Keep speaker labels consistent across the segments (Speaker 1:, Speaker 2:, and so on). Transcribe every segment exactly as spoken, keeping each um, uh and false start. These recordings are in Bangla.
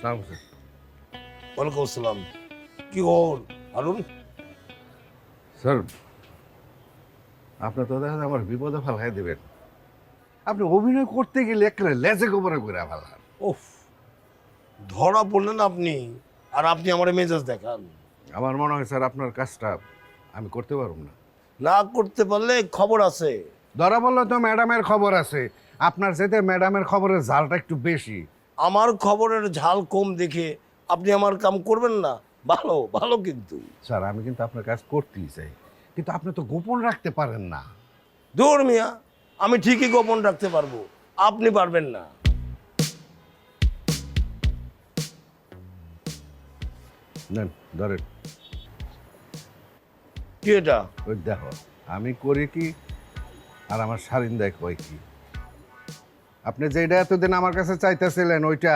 Speaker 1: সালাম স্যার।
Speaker 2: ওয়ালাইকুম আসসালাম। কি হল হারুন?
Speaker 1: স্যার আপনি তো দেখা যায় আমার বিপদে ফেলাই দেবেন। আপনি অভিনয় করতে গেলে একেবারে লেজে গোবরে করে ফেলান।
Speaker 2: ওফ, ধরা পড়লেন আপনি, আর আপনি আমার মেজাজ দেখান।
Speaker 1: আমার মনে হয় স্যার আপনার কাজটা আমি করতে পারব না।
Speaker 2: না করতে পারলে খবর আছে।
Speaker 1: ধরা বললে তো ম্যাডামের খবর আছে, আপনার যেতে ম্যাডামের খবরের জালটা একটু বেশি।
Speaker 2: আমার খবরের ঝাল কম দেখে আপনি আমার কাম করবেন না? ভালো ভালো কিন্তু।
Speaker 1: স্যার আমি কিন্তু আপনার কাজ করতেই চাই, কিন্তু আপনি তো গোপন রাখতে পারেন না।
Speaker 2: দূর মিয়া, আমি ঠিকই গোপন রাখতে পারবো, আপনি পারবেন না।
Speaker 1: নেন ধরেন।
Speaker 2: কি এটা?
Speaker 1: ওই দেখো আমি করি কি আর আমার সারিন্দায় কয় কি। আপনি যেটা এতদিন আমার কাছে চাইতেছিলেন ওইটা।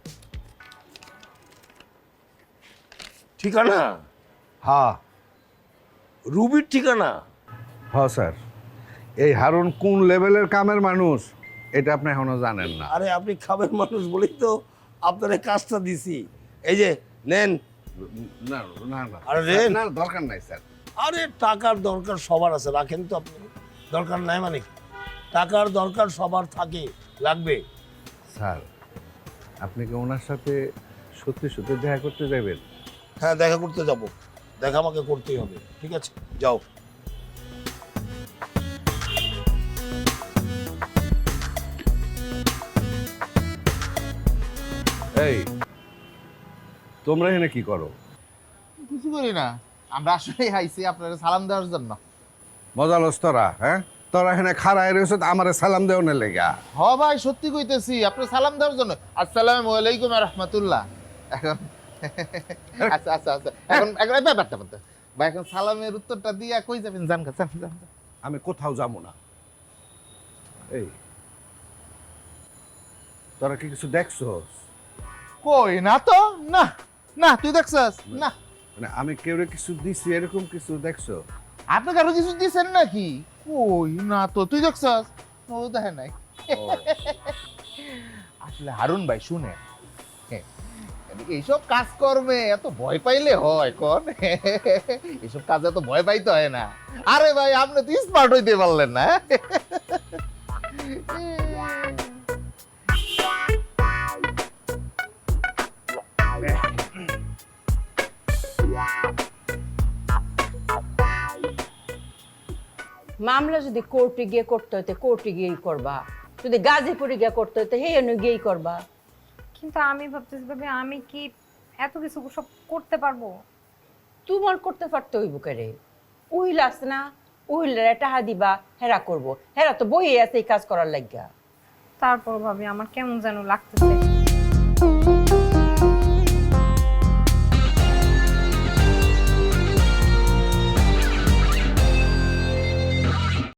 Speaker 2: ঠিকানা?
Speaker 1: হ্যাঁ
Speaker 2: রুবির ঠিকানা?
Speaker 1: হ্যাঁ স্যার, এই হারুন কোন লেভেলের কামের মানুষ এটা আপনি এখনো জানেন না।
Speaker 2: আরে আপনি খাবেন মানুষ বলেই তো আপনার এই কাজটা দিছি। এই যে নেন।
Speaker 1: না না না
Speaker 2: আরে রেন।
Speaker 1: না, দরকার নাই স্যার।
Speaker 2: আরে টাকার দরকার সবার আছে, রাখেন তো আপনি। দরকার নাই মানে কি? টাকার দরকার সবার থাকে, লাগবে।
Speaker 1: স্যার আপনি কি ওনার সাথে সত্যি সত্যি দেখা করতে যাবেন?
Speaker 2: হ্যাঁ, দেখা করতে যাব। দেখা আমাকে করতেই হবে, ঠিক আছে, যাও।
Speaker 1: এই তোমরা এখানে কি করো?
Speaker 3: কিছু করি না, আমরা আসলে আইছি আপনার সালাম দেওয়ার জন্য।
Speaker 1: মজা লস তোরা, হ্যাঁ তোরা এখানে খাড়ায় রয়েছ আমার সালাম দেওয়ার লেগা।
Speaker 3: হ ভাই, সত্যি কইতেছি আপনার সালাম দেওয়ার জন্য। আসসালামু আলাইকুম ওয়া রাহমাতুল্লাহ। এখন আচ্ছা আচ্ছা আচ্ছা এখন এখন এই ব্যাপারটা বলতে ভাই, এখন সালামের উত্তরটা দিয়া কই যাবেন? জান গা, জান জান।
Speaker 1: আমি কোথাও যাবো না। এই তোরা কি কিছু দেখছস?
Speaker 3: কই না তো, না না, তুই দেখছস না?
Speaker 1: মানে আমি কেউ কিছু দিছি এরকম কিছু দেখছো?
Speaker 3: আপনি কারো কিছু দিছেন নাকি? কই না তো, তুই দেখছস? ও দেখে নাই। আসলে হারুন ভাই শুনে, এইসব কাজ কর্মে এত ভয় পাইলে হয় কোন? এইসব কাজে এত ভয় পাইতে হয় না। আরে ভাই আপনি তো স্মার্ট হইতে পারলেন না।
Speaker 4: মামলা যদি কোর্টে গিয়ে করতে হইতে কোর্টে গিয়েই করবা, যদি গাজীপুরে গিয়ে করতে হইতে হে এনে গিয়েই করবা।
Speaker 5: কিন্তু আমি ভাবতেছি ভাবে আমি কি এত কিছু সব করতে পারবো?
Speaker 4: তোমার করতে পারতে হইব কেরে? উহিল আছে না, উহিলরা টাহা দিবা, হেরা করবো। হেরা তো বইয়ে আছে এই কাজ করার লাগিয়া।
Speaker 5: তারপর ভাবি আমার কেমন যেন লাগতেছে।